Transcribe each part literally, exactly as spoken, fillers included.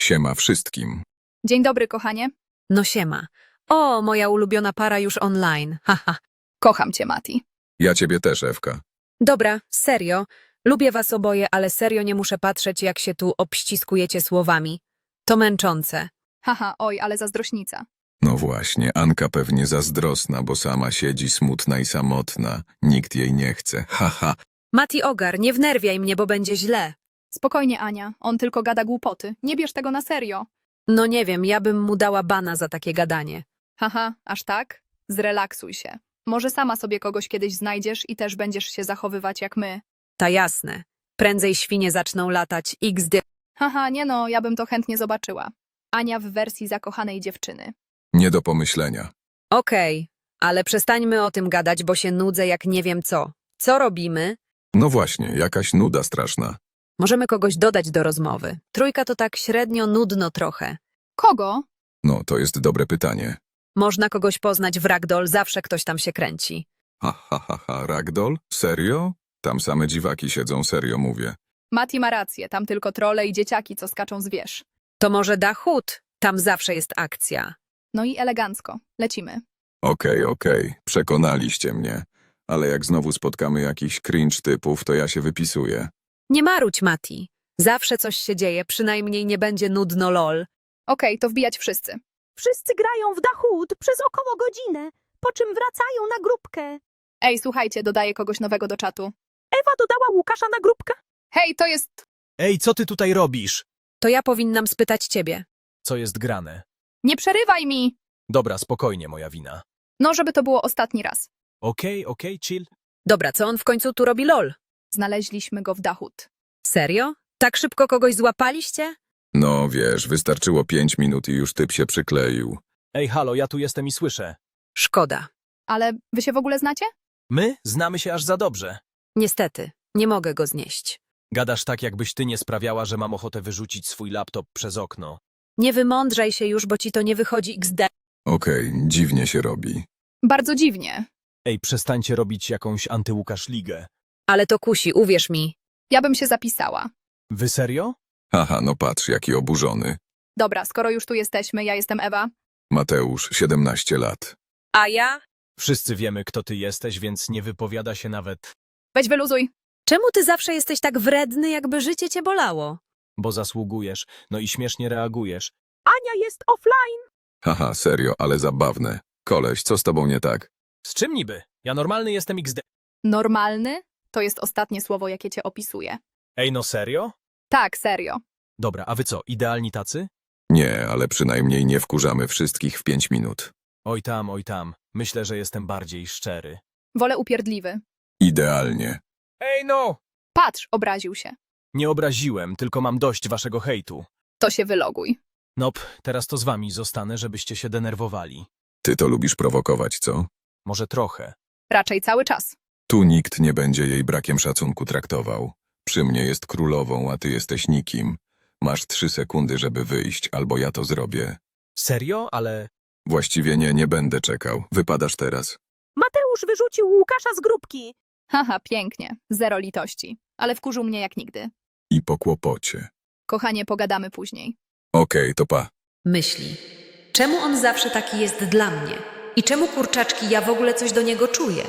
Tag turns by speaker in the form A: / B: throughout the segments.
A: Siema wszystkim.
B: Dzień dobry, kochanie.
C: No siema. O, moja ulubiona para już online. Haha.
B: Kocham cię, Mati.
A: Ja ciebie też, Ewka.
C: Dobra, serio. Lubię was oboje, ale serio nie muszę patrzeć, jak się tu obściskujecie słowami. To męczące.
B: Haha, oj, ale zazdrośnica.
A: No właśnie, Anka pewnie zazdrosna, bo sama siedzi smutna i samotna. Nikt jej nie chce. Haha.
C: Mati Ogar, nie wnerwiaj mnie, bo będzie źle.
B: Spokojnie, Ania. On tylko gada głupoty. Nie bierz tego na serio.
C: No nie wiem, ja bym mu dała bana za takie gadanie.
B: Haha, aż tak? Zrelaksuj się. Może sama sobie kogoś kiedyś znajdziesz i też będziesz się zachowywać jak my.
C: Ta jasne. Prędzej świnie zaczną latać. iks de.
B: Haha, nie no, ja bym to chętnie zobaczyła. Ania w wersji zakochanej dziewczyny.
A: Nie do pomyślenia.
C: Okej, ale przestańmy o tym gadać, bo się nudzę jak nie wiem co. Co robimy?
A: No właśnie, jakaś nuda straszna.
C: Możemy kogoś dodać do rozmowy. Trójka to tak średnio nudno trochę.
B: Kogo?
A: No, to jest dobre pytanie.
C: Można kogoś poznać w ragdoll, zawsze ktoś tam się kręci.
A: Ha, ha, ha, ha, ragdoll? Serio? Tam same dziwaki siedzą, serio mówię.
B: Mati ma rację, tam tylko trole i dzieciaki, co skaczą z wież.
C: To może da chód, tam zawsze jest akcja.
B: No i elegancko. Lecimy.
A: Okej, okej, przekonaliście mnie. Ale jak znowu spotkamy jakiś cringe typów, to ja się wypisuję.
C: Nie marudź, Mati. Zawsze coś się dzieje, przynajmniej nie będzie nudno lol.
B: Okej, to wbijać wszyscy.
D: Wszyscy grają w Dachód przez około godzinę, po czym wracają na grupkę.
B: Ej, słuchajcie, dodaję kogoś nowego do czatu.
D: Ewa dodała Łukasza na grupkę.
B: Hej, to jest...
E: Ej, co ty tutaj robisz?
C: To ja powinnam spytać ciebie.
E: Co jest grane?
B: Nie przerywaj mi!
E: Dobra, spokojnie, moja wina.
B: No, żeby to było ostatni raz.
E: Okej, okej, chill.
C: Dobra, co on w końcu tu robi lol?
B: Znaleźliśmy go w Dachód.
C: Serio? Tak szybko kogoś złapaliście?
A: No wiesz, wystarczyło pięć minut i już typ się przykleił.
E: Ej, halo, ja tu jestem i słyszę.
C: Szkoda.
B: Ale wy się w ogóle znacie?
E: My znamy się aż za dobrze.
C: Niestety, nie mogę go znieść.
E: Gadasz tak, jakbyś ty nie sprawiała, że mam ochotę wyrzucić swój laptop przez okno.
C: Nie wymądrzaj się już, bo ci to nie wychodzi iks de.
A: Okej, dziwnie się robi.
B: Bardzo dziwnie.
E: Ej, przestańcie robić jakąś antyłukasz ligę.
C: Ale to kusi, uwierz mi.
B: Ja bym się zapisała.
E: Wy serio?
A: Haha, no patrz, jaki oburzony.
B: Dobra, skoro już tu jesteśmy, ja jestem Ewa.
A: Mateusz, siedemnaście lat.
C: A ja?
E: Wszyscy wiemy, kto ty jesteś, więc nie wypowiada się nawet,
B: Weź wyluzuj.
C: Czemu ty zawsze jesteś tak wredny, jakby życie cię bolało?
E: bo zasługujesz, no i śmiesznie reagujesz.
D: Ania jest offline.
A: Haha, serio, ale zabawne. Koleś, co z tobą nie tak?
E: Z czym niby? Ja normalny jestem iks de.
B: Normalny? To jest ostatnie słowo, jakie cię opisuje.
E: Ej, no serio?
B: Tak, serio.
E: Dobra, a wy co, idealni tacy?
A: Nie, ale przynajmniej nie wkurzamy wszystkich w pięć minut.
E: Oj tam, oj tam. Myślę, że jestem bardziej szczery.
B: Wolę upierdliwy.
A: Idealnie.
E: Ej, no!
B: Patrz, obraził się.
E: Nie obraziłem, tylko mam dość waszego hejtu.
B: To się wyloguj.
E: Nop, teraz to z wami zostanę, żebyście się denerwowali.
A: Ty to lubisz prowokować, co?
E: Może trochę.
B: Raczej cały czas.
A: Tu nikt nie będzie jej brakiem szacunku traktował. Przy mnie jest królową, a ty jesteś nikim. Masz trzy sekundy, żeby wyjść, albo ja to zrobię.
E: Serio? Ale...
A: Właściwie nie, nie będę czekał. Wypadasz teraz.
D: Mateusz wyrzucił Łukasza z grupki.
B: Haha, pięknie. Zero litości. Ale wkurzył mnie jak nigdy.
A: I po kłopocie.
B: Kochanie, pogadamy później.
A: Okej, to pa.
C: Myśli. Czemu on zawsze taki jest dla mnie? I czemu, kurczaczki, ja w ogóle coś do niego czuję?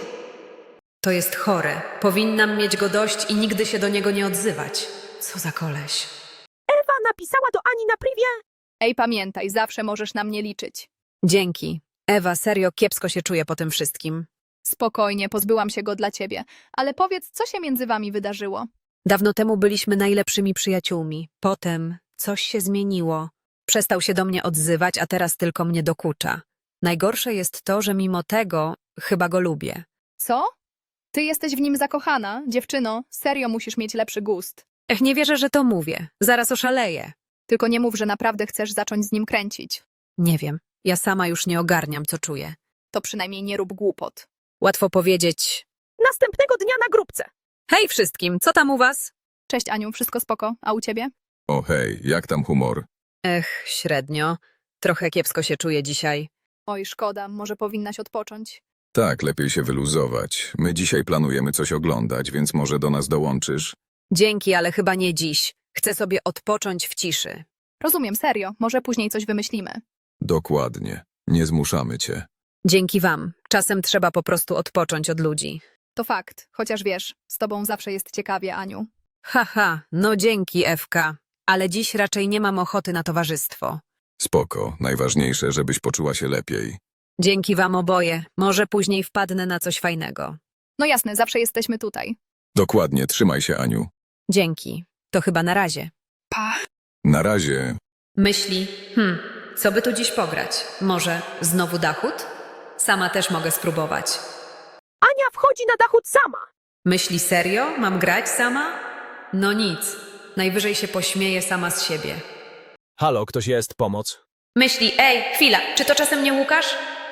C: To jest chore. Powinnam mieć go dość i nigdy się do niego nie odzywać. Co za koleś.
D: Ewa napisała do Ani na privie.
B: Ej, pamiętaj, zawsze możesz na mnie liczyć.
C: Dzięki. Ewa, serio kiepsko się czuję po tym wszystkim.
B: Spokojnie, pozbyłam się go dla ciebie. Ale powiedz, co się między wami wydarzyło?
C: Dawno temu byliśmy najlepszymi przyjaciółmi. Potem coś się zmieniło. Przestał się do mnie odzywać, a teraz tylko mnie dokucza. Najgorsze jest to, że mimo tego chyba go lubię.
B: Co? Ty jesteś w nim zakochana? Dziewczyno, serio musisz mieć lepszy gust.
C: Ech, nie wierzę, że to mówię. Zaraz oszaleję.
B: Tylko nie mów, że naprawdę chcesz zacząć z nim kręcić.
C: Nie wiem. Ja sama już nie ogarniam, co czuję.
B: To przynajmniej nie rób głupot.
C: Łatwo powiedzieć.
D: Następnego dnia na grupce.
C: Hej wszystkim, co tam u was?
B: Cześć Aniu, wszystko spoko, a u ciebie?
A: O hej, jak tam humor?
C: Ech, średnio. Trochę kiepsko się czuję dzisiaj.
B: Oj, szkoda, może powinnaś odpocząć.
A: Tak, lepiej się wyluzować. My dzisiaj planujemy coś oglądać, więc może do nas dołączysz?
C: Dzięki, ale chyba nie dziś. Chcę sobie odpocząć w ciszy.
B: Rozumiem, serio. Może później coś wymyślimy.
A: Dokładnie. Nie zmuszamy cię.
C: Dzięki wam. Czasem trzeba po prostu odpocząć od ludzi.
B: To fakt. Chociaż wiesz, z tobą zawsze jest ciekawie, Aniu.
C: Haha, no dzięki, Ewka. Ale dziś raczej nie mam ochoty na towarzystwo.
A: Spoko. Najważniejsze, żebyś poczuła się lepiej.
C: Dzięki wam oboje. Może później wpadnę na coś fajnego.
B: No jasne, zawsze jesteśmy tutaj.
A: Dokładnie. Trzymaj się, Aniu.
C: Dzięki. To chyba na razie.
B: Pa.
A: Na razie.
C: Myśli, hmm, co by tu dziś pograć? Może znowu Dachut? Sama też mogę spróbować.
D: Ania wchodzi na dachód sama.
C: Myśli serio? Mam grać sama? No nic. Najwyżej się pośmieję sama z siebie.
E: Halo, ktoś jest, pomoc?
C: Myśli, ej, chwila, czy to czasem nie Łukasz?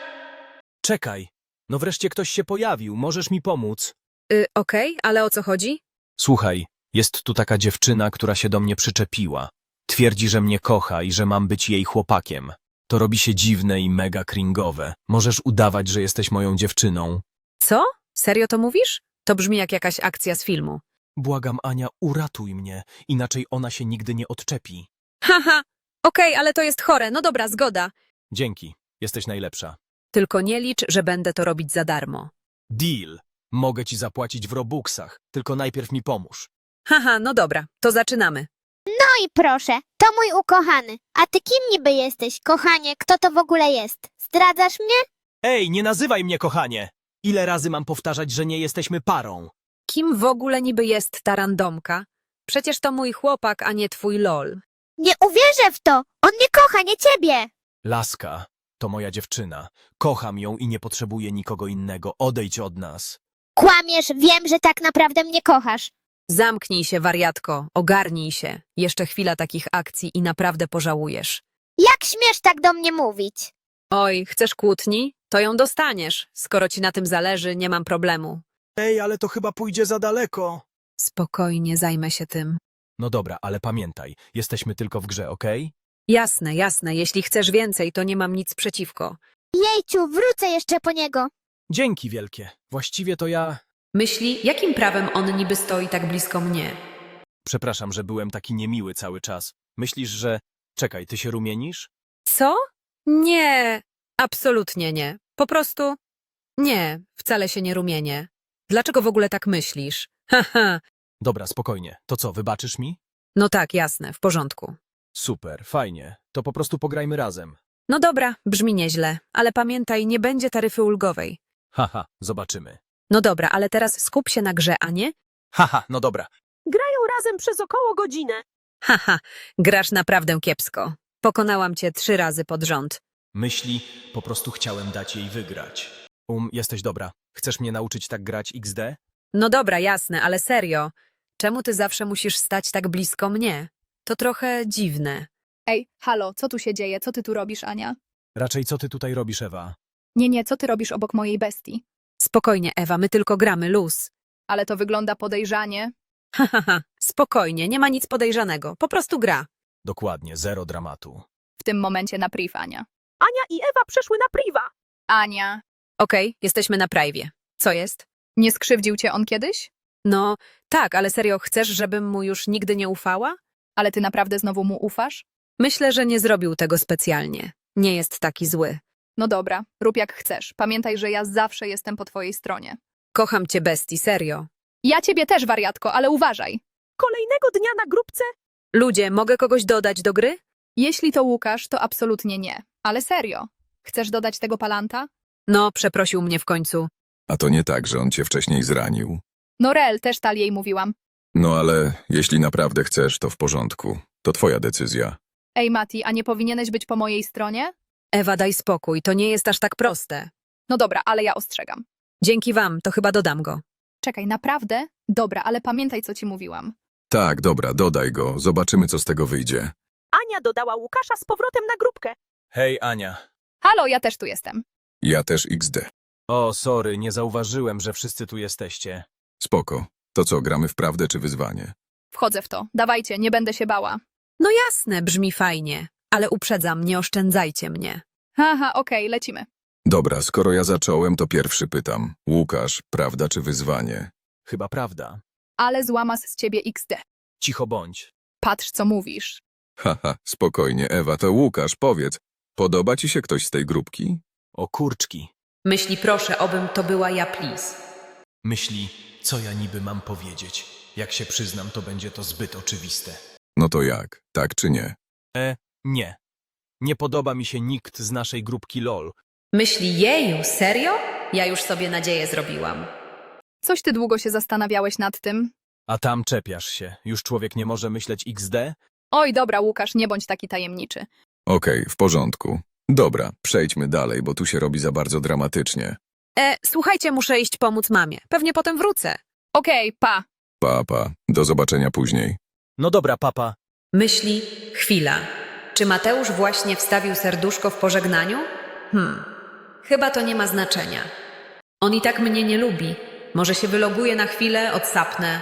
E: Czekaj. No wreszcie ktoś się pojawił, możesz mi pomóc?
C: Y, okej, ale o co chodzi?
E: Słuchaj, jest tu taka dziewczyna, która się do mnie przyczepiła. Twierdzi, że mnie kocha i że mam być jej chłopakiem. To robi się dziwne i mega cringowe. Możesz udawać, że jesteś moją dziewczyną.
C: Co? Serio to mówisz? To brzmi jak jakaś akcja z filmu.
E: Błagam, Ania, uratuj mnie, inaczej ona się nigdy nie odczepi.
C: Haha, okej, ale to jest chore, no dobra, zgoda.
E: Dzięki, jesteś najlepsza.
C: Tylko nie licz, że będę to robić za darmo.
E: Deal. Mogę ci zapłacić w robuxach, tylko najpierw mi pomóż.
C: Haha, no dobra, to zaczynamy.
F: No i proszę, to mój ukochany. A ty kim niby jesteś, kochanie? Kto to w ogóle jest? Zdradzasz mnie?
E: Ej, nie nazywaj mnie kochanie! Ile razy mam powtarzać, że nie jesteśmy parą?
C: Kim w ogóle niby jest ta randomka? Przecież to mój chłopak, a nie twój lol.
F: Nie uwierzę w to! On mnie kocha, nie ciebie!
E: Laska, to moja dziewczyna. Kocham ją i nie potrzebuję nikogo innego. Odejdź od nas.
F: Kłamiesz, wiem, że tak naprawdę mnie kochasz.
C: Zamknij się, wariatko, ogarnij się. Jeszcze chwila takich akcji i naprawdę pożałujesz.
F: Jak śmiesz tak do mnie mówić?
C: Oj, chcesz kłótni? To ją dostaniesz. Skoro ci na tym zależy, nie mam problemu.
E: Ej, ale to chyba pójdzie za daleko.
C: Spokojnie, zajmę się tym.
E: No dobra, ale pamiętaj, jesteśmy tylko w grze, okej?
C: Jasne, jasne, jeśli chcesz więcej, to nie mam nic przeciwko.
F: Jejciu, wrócę jeszcze po niego.
E: Dzięki wielkie. Właściwie to ja...
C: Myśli, jakim prawem on niby stoi tak blisko mnie?
E: Przepraszam, że byłem taki niemiły cały czas. Myślisz, że... Czekaj, ty się rumienisz?
C: Co? Nie, absolutnie nie. Po prostu... Nie, wcale się nie rumienię. Dlaczego w ogóle tak myślisz? Haha,
E: Dobra, spokojnie. To co, wybaczysz mi?
C: no tak, jasne, w porządku.
E: Super, fajnie. To po prostu pograjmy razem.
C: No dobra, brzmi nieźle, ale pamiętaj, nie będzie taryfy ulgowej.
E: Haha, zobaczymy.
C: No dobra, ale teraz skup się na grze, a nie?
E: Haha, no dobra.
D: Grają razem przez około godzinę.
C: Haha, grasz naprawdę kiepsko. Pokonałam cię trzy razy pod rząd.
E: Myśli, po prostu chciałem dać jej wygrać. Um, jesteś dobra. Chcesz mnie nauczyć tak grać iks de?
C: No dobra, jasne, ale serio. Czemu ty zawsze musisz stać tak blisko mnie? To trochę dziwne.
B: Ej, halo, co tu się dzieje? Co ty tu robisz, Ania?
E: Raczej co ty tutaj robisz, Ewa?
B: Nie, nie, co ty robisz obok mojej bestii?
C: Spokojnie, Ewa, my tylko gramy luz.
B: Ale to wygląda podejrzanie.
C: Hahaha, spokojnie, nie ma nic podejrzanego, po prostu gra.
E: Dokładnie, zero dramatu.
B: W tym momencie na priv, Ania.
D: Ania i Ewa przeszły na priwa.
B: Ania,
C: Okej, jesteśmy na prajwie. Co jest?
B: nie skrzywdził cię on kiedyś?
C: No, tak, ale serio, chcesz, żebym mu już nigdy nie ufała?
B: Ale ty naprawdę znowu mu ufasz?
C: Myślę, że nie zrobił tego specjalnie. Nie jest taki zły.
B: No dobra, rób jak chcesz. Pamiętaj, że ja zawsze jestem po twojej stronie.
C: Kocham cię, bestii, serio.
B: Ja ciebie też, wariatko, ale uważaj.
D: Kolejnego dnia na grupce.
C: Ludzie, mogę kogoś dodać do gry?
B: Jeśli to Łukasz, to absolutnie nie. Ale serio. Chcesz dodać tego palanta?
C: No, przeprosił mnie w końcu.
A: A to nie tak, że on cię wcześniej zranił.
B: No Rel, też tal jej mówiłam.
A: No ale jeśli naprawdę chcesz, to w porządku. To twoja decyzja.
B: Ej, Mati, a nie powinieneś być po mojej stronie?
C: Ewa, daj spokój, to nie jest aż tak proste.
B: No dobra, ale ja ostrzegam.
C: Dzięki wam, to chyba dodam go.
B: Czekaj, naprawdę? Dobra, ale pamiętaj, co ci mówiłam.
A: Tak, dobra, dodaj go. Zobaczymy, co z tego wyjdzie.
D: Ania dodała Łukasza z powrotem na grupkę.
E: Hej, Ania.
B: Halo, ja też tu jestem.
A: Ja też iks de.
E: O, sorry, nie zauważyłem, że wszyscy tu jesteście.
A: Spoko. To co, gramy w prawdę czy wyzwanie?
B: Wchodzę w to. Dawajcie, nie będę się bała.
C: No jasne, brzmi fajnie, ale uprzedzam, nie oszczędzajcie mnie.
B: Haha, okej, lecimy.
A: Dobra, skoro ja zacząłem, to pierwszy pytam. Łukasz, prawda czy wyzwanie?
E: Chyba prawda.
B: Ale złamas z ciebie iks de.
E: Cicho bądź.
B: Patrz, co mówisz.
A: Haha, spokojnie, Ewa, to Łukasz, powiedz. Podoba ci się ktoś z tej grupki?
E: O kurczki.
C: Myśli, proszę, obym to była ja, please.
E: Myśli, co ja niby mam powiedzieć. Jak się przyznam, to będzie to zbyt oczywiste.
A: No to jak, tak czy nie?
E: E, nie. Nie podoba mi się nikt z naszej grupki LOL.
C: Myśli, jeju, serio? Ja już sobie nadzieję zrobiłam.
B: Coś ty długo się zastanawiałeś nad tym?
E: A tam czepiasz się. Już człowiek nie może myśleć iks de?
B: Oj, dobra, Łukasz, nie bądź taki tajemniczy.
A: Okej, w porządku. Dobra, przejdźmy dalej, bo tu się robi za bardzo dramatycznie.
C: E, słuchajcie, muszę iść pomóc mamie. Pewnie potem wrócę.
B: Okej, pa.
A: Pa, pa, do zobaczenia później.
E: No dobra, papa.
C: Myśli, chwila. Czy Mateusz właśnie wstawił serduszko w pożegnaniu? Hmm, chyba to nie ma znaczenia. On i tak mnie nie lubi. Może się wyloguje na chwilę, odsapnę.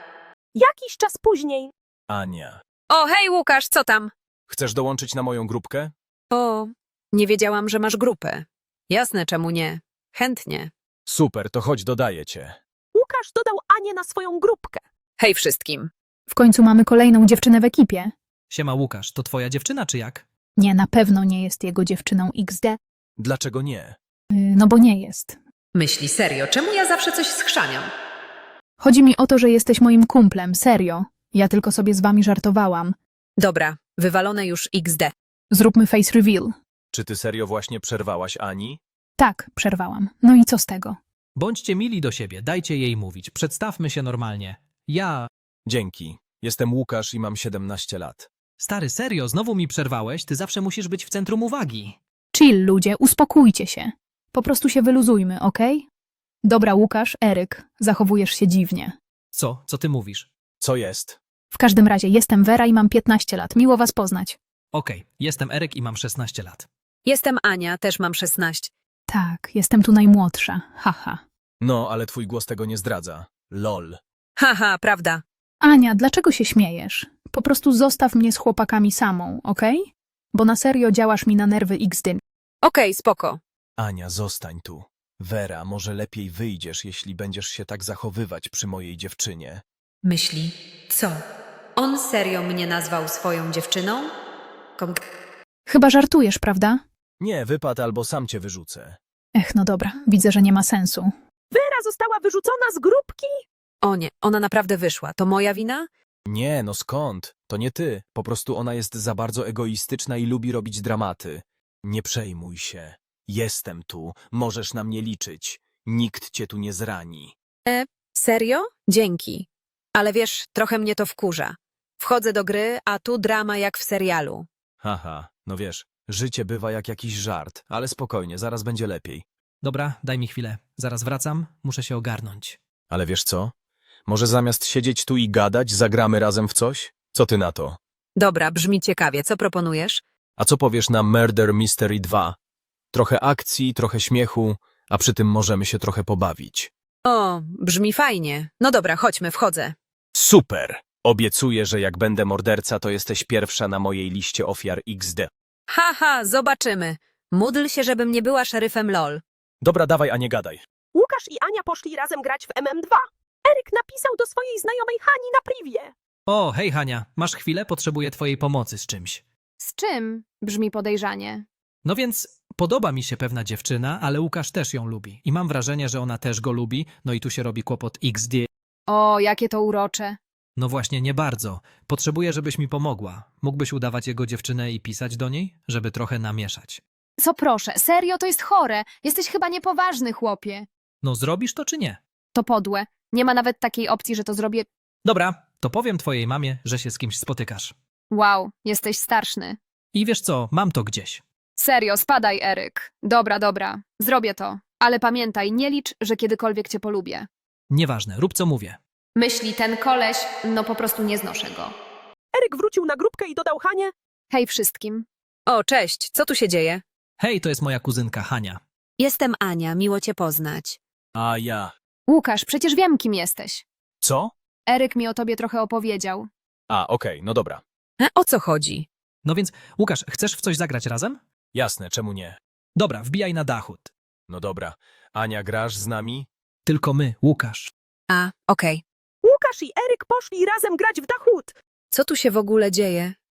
D: Jakiś czas później.
E: Ania.
C: O, hej Łukasz, co tam?
E: Chcesz dołączyć na moją grupkę?
C: O, nie wiedziałam, że masz grupę. Jasne, czemu nie. Chętnie.
E: Super, to chodź, dodaję cię.
D: Łukasz dodał Anię na swoją grupkę.
C: Hej wszystkim.
G: W końcu mamy kolejną dziewczynę w ekipie.
H: Siema Łukasz, to twoja dziewczyna czy jak?
G: Nie, na pewno nie jest jego dziewczyną iks de,
E: Dlaczego nie?
G: yy, no bo nie jest.
C: Myśli, serio, czemu ja zawsze coś schrzaniam?
G: Chodzi mi o to, że jesteś moim kumplem, serio. Ja tylko sobie z wami żartowałam.
C: Dobra, wywalone już iks de.
G: Zróbmy face reveal.
E: Czy ty serio właśnie przerwałaś Ani?
G: Tak, przerwałam. No i co z tego?
H: Bądźcie mili do siebie, dajcie jej mówić, przedstawmy się normalnie. Ja...
E: Dzięki. Jestem Łukasz i mam siedemnaście lat.
H: Stary, serio, znowu mi przerwałeś? Ty zawsze musisz być w centrum uwagi.
G: Chill, ludzie, uspokójcie się. Po prostu się wyluzujmy, okej? Dobra, Łukasz, Eryk, zachowujesz się dziwnie.
H: Co? Co ty mówisz?
E: Co jest?
G: W każdym razie, jestem Wera i mam piętnaście lat. Miło was poznać.
H: Okej, jestem Eryk i mam szesnaście lat.
C: Jestem Ania, też mam szesnaście.
G: Tak, jestem tu najmłodsza. Haha.
E: No, ale twój głos tego nie zdradza. LOL.
C: Haha, prawda.
G: Ania, dlaczego się śmiejesz? Po prostu zostaw mnie z chłopakami samą, okej? Bo na serio działasz mi na nerwy iks de.
C: Okej, spoko.
E: Ania, zostań tu. Wera, może lepiej wyjdziesz, jeśli będziesz się tak zachowywać przy mojej dziewczynie.
C: Myśli, co? On serio mnie nazwał swoją dziewczyną? Kon-
G: Chyba żartujesz, prawda?
E: Nie, wypad albo sam cię wyrzucę.
G: Ech, no dobra, widzę, że nie ma sensu.
D: Wera została wyrzucona z grupki?
C: O nie, ona naprawdę wyszła. To moja wina?
E: Nie, no skąd? To nie ty. Po prostu ona jest za bardzo egoistyczna i lubi robić dramaty. Nie przejmuj się. Jestem tu. Możesz na mnie liczyć. Nikt cię tu nie zrani.
C: Serio? Dzięki. Ale wiesz, trochę mnie to wkurza. Wchodzę do gry, a tu drama jak w serialu.
E: Haha, no wiesz, życie bywa jak jakiś żart, ale spokojnie, zaraz będzie lepiej.
H: Dobra, daj mi chwilę. Zaraz wracam, muszę się ogarnąć.
E: Ale wiesz co? Może zamiast siedzieć tu i gadać, zagramy razem w coś? Co ty na to?
C: Dobra, brzmi ciekawie. Co proponujesz?
E: A co powiesz na Murder Mystery dwa? Trochę akcji, trochę śmiechu, a przy tym możemy się trochę pobawić.
C: O, brzmi fajnie. No dobra, chodźmy, wchodzę.
E: Super! Obiecuję, że jak będę morderca, to jesteś pierwsza na mojej liście ofiar iks de.
C: Haha, zobaczymy. Módl się, żebym nie była szeryfem LOL.
E: Dobra, dawaj, a nie gadaj.
D: Łukasz i Ania poszli razem grać w em em dwa. Eryk napisał do swojej znajomej Hani na privie.
H: O, hej Hania, masz chwilę? Potrzebuję twojej pomocy z czymś.
B: Z czym? Brzmi podejrzanie.
H: No więc podoba mi się pewna dziewczyna, ale Łukasz też ją lubi. I mam wrażenie, że ona też go lubi, no i tu się robi kłopot iks de.
B: O, jakie to urocze.
H: No właśnie, nie bardzo. Potrzebuję, żebyś mi pomogła. Mógłbyś udawać jego dziewczynę i pisać do niej, żeby trochę namieszać.
B: Co proszę, serio, to jest chore. Jesteś chyba niepoważny, chłopie.
H: No zrobisz to czy nie?
B: To podłe. Nie ma nawet takiej opcji, że to zrobię.
H: Dobra, to powiem twojej mamie, że się z kimś spotykasz.
B: Wow, jesteś starszny.
H: I wiesz co, mam to gdzieś.
B: Serio, spadaj, Eryk. Dobra, dobra, zrobię to. Ale pamiętaj, nie licz, że kiedykolwiek cię polubię.
H: Nieważne, rób co mówię.
B: Myśli ten koleś, no po prostu nie znoszę go.
D: Eryk wrócił na grupkę i dodał Hanię.
B: Hej wszystkim.
C: O, cześć, co tu się dzieje?
H: Hej, to jest moja kuzynka Hania.
C: Jestem Ania, miło cię poznać.
E: A ja.
B: Łukasz, przecież wiem, kim jesteś.
E: Co?
B: Eryk mi o tobie trochę opowiedział.
E: A, okej, no dobra.
C: E, o co chodzi?
H: No więc, Łukasz, chcesz w coś zagrać razem?
E: Jasne, czemu nie?
H: Dobra, wbijaj na dachód.
E: No dobra. Ania, grasz z nami?
H: Tylko my, Łukasz.
C: A, okej.
D: Łukasz i Eryk poszli razem grać w Dachód.
C: Co tu się w ogóle dzieje?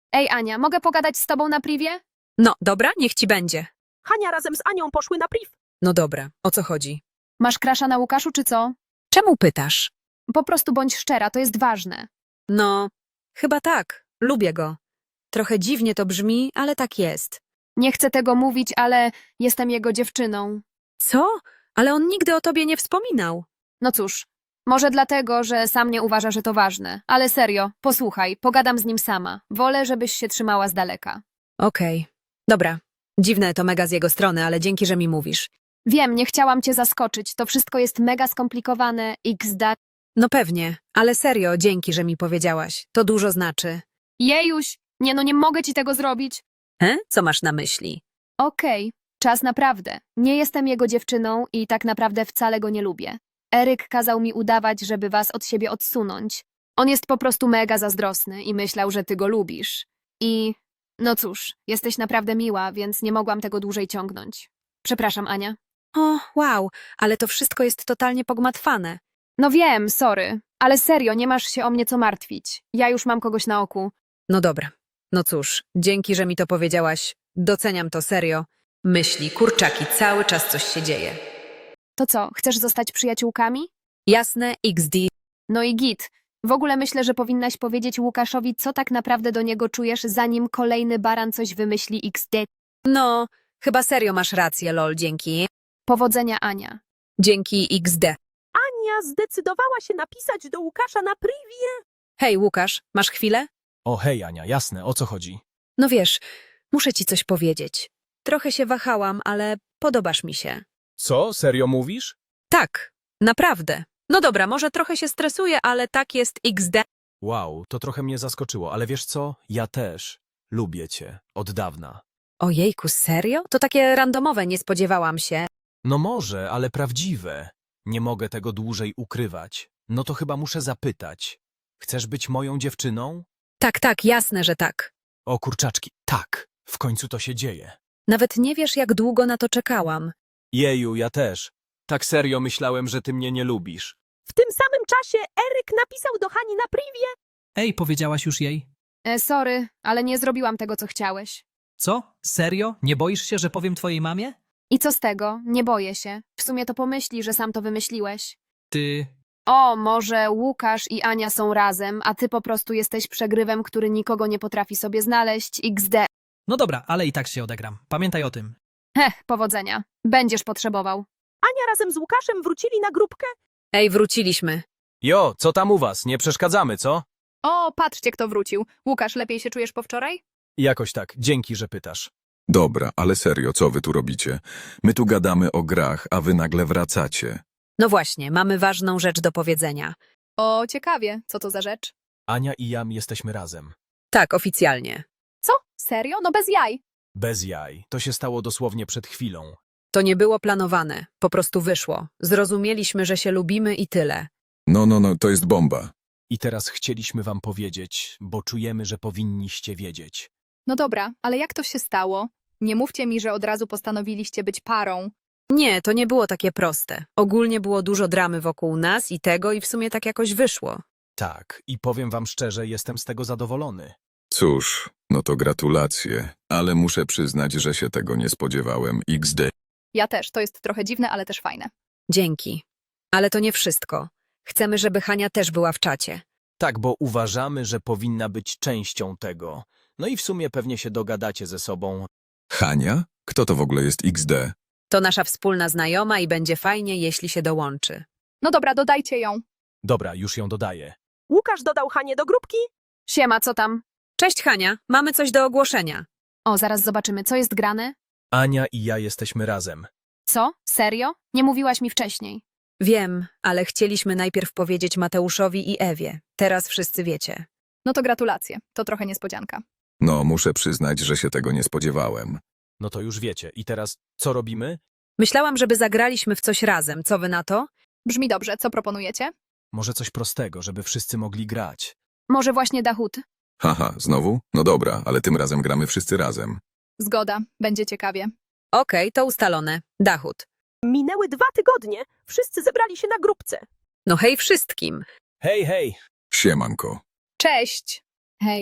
B: Ej, Ania, mogę pogadać z tobą na privie?
C: No, dobra, niech ci będzie.
D: Hania razem z Anią poszły na priv.
C: No dobra, o co chodzi?
B: Masz krasza na Łukaszu, czy co?
C: Czemu pytasz?
B: Po prostu bądź szczera, to jest ważne.
C: No, chyba tak. Lubię go. Trochę dziwnie to brzmi, ale tak jest.
B: Nie chcę tego mówić, ale jestem jego dziewczyną.
C: Co? Ale on nigdy o tobie nie wspominał.
B: No cóż, może dlatego, że sam nie uważa, że to ważne. Ale serio, posłuchaj, pogadam z nim sama. Wolę, żebyś się trzymała z daleka.
C: Okej. Dobra. Dziwne to mega z jego strony, ale dzięki, że mi mówisz.
B: Wiem, nie chciałam cię zaskoczyć. To wszystko jest mega skomplikowane. Xda.
C: No pewnie, ale serio, dzięki, że mi powiedziałaś. To dużo znaczy.
B: Jejuś! Nie no, nie mogę ci tego zrobić.
C: He? Co masz na myśli?
B: Okej, czas naprawdę. Nie jestem jego dziewczyną i tak naprawdę wcale go nie lubię. Eryk kazał mi udawać, żeby was od siebie odsunąć. On jest po prostu mega zazdrosny i myślał, że ty go lubisz. I no cóż, jesteś naprawdę miła, więc nie mogłam tego dłużej ciągnąć. Przepraszam, Ania.
C: O, wow, ale to wszystko jest totalnie pogmatwane.
B: No wiem, sorry, ale serio, nie masz się o mnie co martwić. Ja już mam kogoś na oku.
C: No dobra. No cóż, dzięki, że mi to powiedziałaś. Doceniam to serio. Myśli, kurczaki, cały czas coś się dzieje.
B: To co, chcesz zostać przyjaciółkami?
C: Jasne, iks de.
B: No i git. W ogóle myślę, że powinnaś powiedzieć Łukaszowi, co tak naprawdę do niego czujesz, zanim kolejny baran coś wymyśli iks de.
C: No, chyba serio masz rację, lol, dzięki.
B: Powodzenia, Ania.
C: Dzięki iks de.
D: Ania zdecydowała się napisać do Łukasza na privie.
C: Hej, Łukasz, masz chwilę?
E: O hej, Ania, jasne, o co chodzi?
C: No wiesz, muszę ci coś powiedzieć. Trochę się wahałam, ale podobasz mi się.
E: Co? Serio mówisz?
C: Tak, naprawdę. No dobra, może trochę się stresuję, ale tak jest iks de.
E: Wow, to trochę mnie zaskoczyło, ale wiesz co? Ja też. Lubię cię. Od dawna.
C: Ojejku, serio? To takie randomowe, nie spodziewałam się.
E: No może, ale prawdziwe. Nie mogę tego dłużej ukrywać. No to chyba muszę zapytać. Chcesz być moją dziewczyną?
C: Tak, tak, jasne, że tak.
E: O kurczaczki, tak. W końcu to się dzieje.
C: Nawet nie wiesz, jak długo na to czekałam.
E: Jeju, ja też. Tak serio myślałem, że ty mnie nie lubisz.
D: W tym samym czasie Eryk napisał do Hani na privie.
H: Ej, powiedziałaś już jej?
B: E, sorry, ale nie zrobiłam tego, co chciałeś.
H: Co? Serio? Nie boisz się, że powiem twojej mamie?
B: I co z tego? Nie boję się. W sumie to pomyśli, że sam to wymyśliłeś.
H: Ty...
B: O, może Łukasz i Ania są razem, a ty po prostu jesteś przegrywem, który nikogo nie potrafi sobie znaleźć. iks de.
H: No dobra, ale i tak się odegram. Pamiętaj o tym.
B: Heh, powodzenia. Będziesz potrzebował.
D: Ania razem z Łukaszem wrócili na grupkę.
C: Ej, wróciliśmy.
E: Jo, co tam u was? Nie przeszkadzamy, co?
B: O, patrzcie, kto wrócił. Łukasz, lepiej się czujesz po wczoraj?
E: Jakoś tak. Dzięki, że pytasz.
A: Dobra, ale serio, co wy tu robicie? My tu gadamy o grach, a wy nagle wracacie.
C: No właśnie, mamy ważną rzecz do powiedzenia.
B: O, ciekawie. Co to za rzecz?
E: Ania i ja jesteśmy razem.
C: Tak, oficjalnie.
B: Co? Serio? No bez jaj.
E: Bez jaj. To się stało dosłownie przed chwilą.
C: To nie było planowane, po prostu wyszło. Zrozumieliśmy, że się lubimy i tyle.
A: No, no, no, to jest bomba.
E: I teraz chcieliśmy wam powiedzieć, bo czujemy, że powinniście wiedzieć.
B: No dobra, ale jak to się stało? Nie mówcie mi, że od razu postanowiliście być parą.
C: Nie, to nie było takie proste. Ogólnie było dużo dramy wokół nas i tego i w sumie tak jakoś wyszło.
E: Tak, i powiem wam szczerze, jestem z tego zadowolony.
A: Cóż, no to gratulacje, ale muszę przyznać, że się tego nie spodziewałem. iks de.
B: Ja też, to jest trochę dziwne, ale też fajne.
C: Dzięki. Ale to nie wszystko. Chcemy, żeby Hania też była w czacie.
E: Tak, bo uważamy, że powinna być częścią tego. No i w sumie pewnie się dogadacie ze sobą.
A: Hania? Kto to w ogóle jest iks de?
C: To nasza wspólna znajoma i będzie fajnie, jeśli się dołączy.
B: No dobra, dodajcie ją.
E: Dobra, już ją dodaję.
D: Łukasz dodał Hanię do grupki.
B: Siema, co tam?
C: Cześć Hania, mamy coś do ogłoszenia.
B: O, zaraz zobaczymy, co jest grane?
E: Ania i ja jesteśmy razem.
B: Co? Serio? Nie mówiłaś mi wcześniej.
C: Wiem, ale chcieliśmy najpierw powiedzieć Mateuszowi i Ewie. Teraz wszyscy wiecie.
B: No to gratulacje, to trochę niespodzianka.
A: No, muszę przyznać, że się tego nie spodziewałem.
E: No to już wiecie. I teraz co robimy?
C: Myślałam, żeby zagraliśmy w coś razem. Co wy na to?
B: Brzmi dobrze, co proponujecie?
E: Może coś prostego, żeby wszyscy mogli grać.
B: Może właśnie Dahut?
A: Haha, znowu? No dobra, ale tym razem gramy wszyscy razem.
B: Zgoda, będzie ciekawie.
C: Okej, to ustalone. Dachut.
D: Minęły dwa tygodnie. Wszyscy zebrali się na grupce.
C: No hej wszystkim.
E: Hej, hej!
A: Siemanko.
B: Cześć! Hej.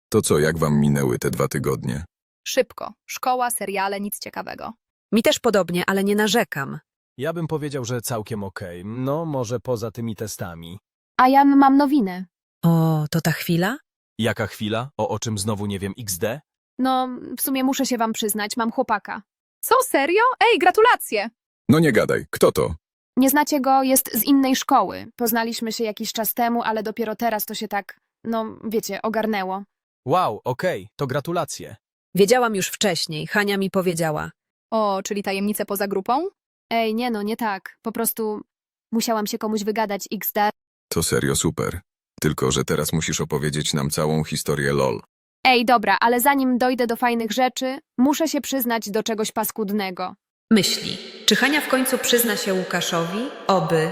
A: To co, jak wam minęły te dwa tygodnie?
I: Szybko. Szkoła, seriale, nic ciekawego.
C: Mi też podobnie, ale nie narzekam.
E: Ja bym powiedział, że całkiem okej. No, może poza tymi testami.
B: A ja mam nowiny.
C: O, to ta chwila?
E: Jaka chwila? O, o czym znowu nie wiem iks de?
B: No, w sumie muszę się wam przyznać, mam chłopaka.
I: Co, serio? Ej, gratulacje!
A: No nie gadaj, kto to?
B: Nie znacie go, jest z innej szkoły. Poznaliśmy się jakiś czas temu, ale dopiero teraz to się tak, no wiecie, ogarnęło.
E: Wow, okej, to gratulacje.
C: Wiedziałam już wcześniej, Hania mi powiedziała.
I: O, czyli tajemnice poza grupą?
B: Ej, nie no, nie tak. Po prostu musiałam się komuś wygadać iks de.
A: To serio super. Tylko, że teraz musisz opowiedzieć nam całą historię lol.
B: Ej, dobra, ale zanim dojdę do fajnych rzeczy, muszę się przyznać do czegoś paskudnego.
C: Myśli, czy Hania w końcu przyzna się Łukaszowi? Oby.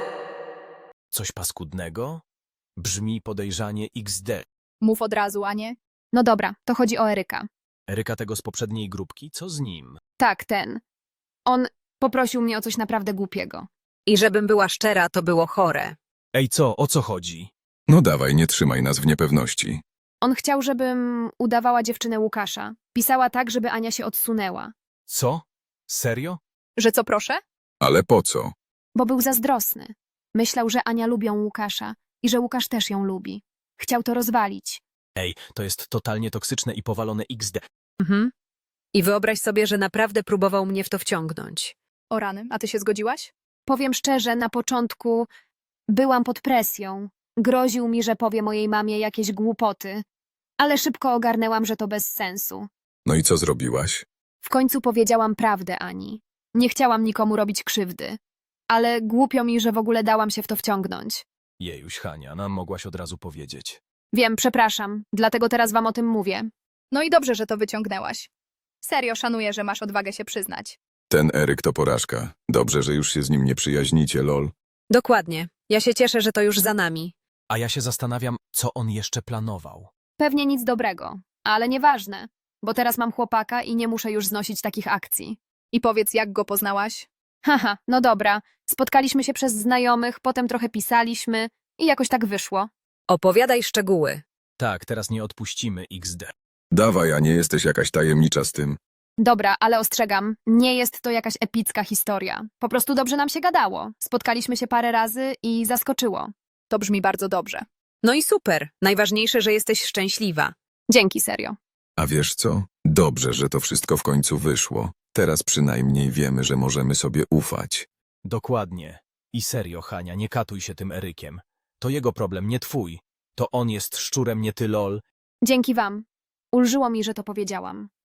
E: Coś paskudnego? Brzmi podejrzanie iks de.
I: Mów od razu, a nie?
B: No dobra, to chodzi o Eryka.
E: Eryka tego z poprzedniej grupki? Co z nim?
B: Tak, ten. On poprosił mnie o coś naprawdę głupiego.
C: I żebym była szczera, to było chore.
E: Ej, co? O co chodzi?
A: No dawaj, nie trzymaj nas w niepewności.
B: On chciał, żebym udawała dziewczynę Łukasza. Pisała tak, żeby Ania się odsunęła.
E: Co? Serio?
I: Że co, proszę?
A: Ale po co?
B: Bo był zazdrosny. Myślał, że Ania lubią Łukasza i że Łukasz też ją lubi. Chciał to rozwalić.
E: Ej, to jest totalnie toksyczne i powalone iks de.
C: Mhm. I wyobraź sobie, że naprawdę próbował mnie w to wciągnąć.
I: O rany, a ty się zgodziłaś?
B: Powiem szczerze, na początku byłam pod presją. Groził mi, że powie mojej mamie jakieś głupoty. Ale szybko ogarnęłam, że to bez sensu.
A: No i co zrobiłaś?
B: W końcu powiedziałam prawdę Ani. Nie chciałam nikomu robić krzywdy. Ale głupio mi, że w ogóle dałam się w to wciągnąć.
E: Jejuś, Hania, nam mogłaś od razu powiedzieć.
B: Wiem, przepraszam, dlatego teraz wam o tym mówię.
I: No i dobrze, że to wyciągnęłaś. Serio szanuję, że masz odwagę się przyznać.
A: Ten Eryk to porażka. Dobrze, że już się z nim nie przyjaźnicie, lol.
C: Dokładnie. Ja się cieszę, że to już za nami.
E: A ja się zastanawiam, co on jeszcze planował.
B: Pewnie nic dobrego, ale nieważne, bo teraz mam chłopaka i nie muszę już znosić takich akcji.
I: I powiedz, jak go poznałaś?
B: Haha, no dobra. Spotkaliśmy się przez znajomych, potem trochę pisaliśmy i jakoś tak wyszło.
C: Opowiadaj szczegóły.
E: Tak, teraz nie odpuścimy iks de.
A: Dawaj, a nie jesteś jakaś tajemnicza z tym.
B: Dobra, ale ostrzegam, nie jest to jakaś epicka historia. Po prostu dobrze nam się gadało. Spotkaliśmy się parę razy i zaskoczyło.
I: To brzmi bardzo dobrze.
C: No i super. Najważniejsze, że jesteś szczęśliwa.
B: Dzięki, serio.
A: A wiesz co? Dobrze, że to wszystko w końcu wyszło. Teraz przynajmniej wiemy, że możemy sobie ufać.
E: Dokładnie. I serio, Hania, nie katuj się tym Erykiem. To jego problem, nie twój. To on jest szczurem, nie ty lol.
B: Dzięki wam. Ulżyło mi, że to powiedziałam.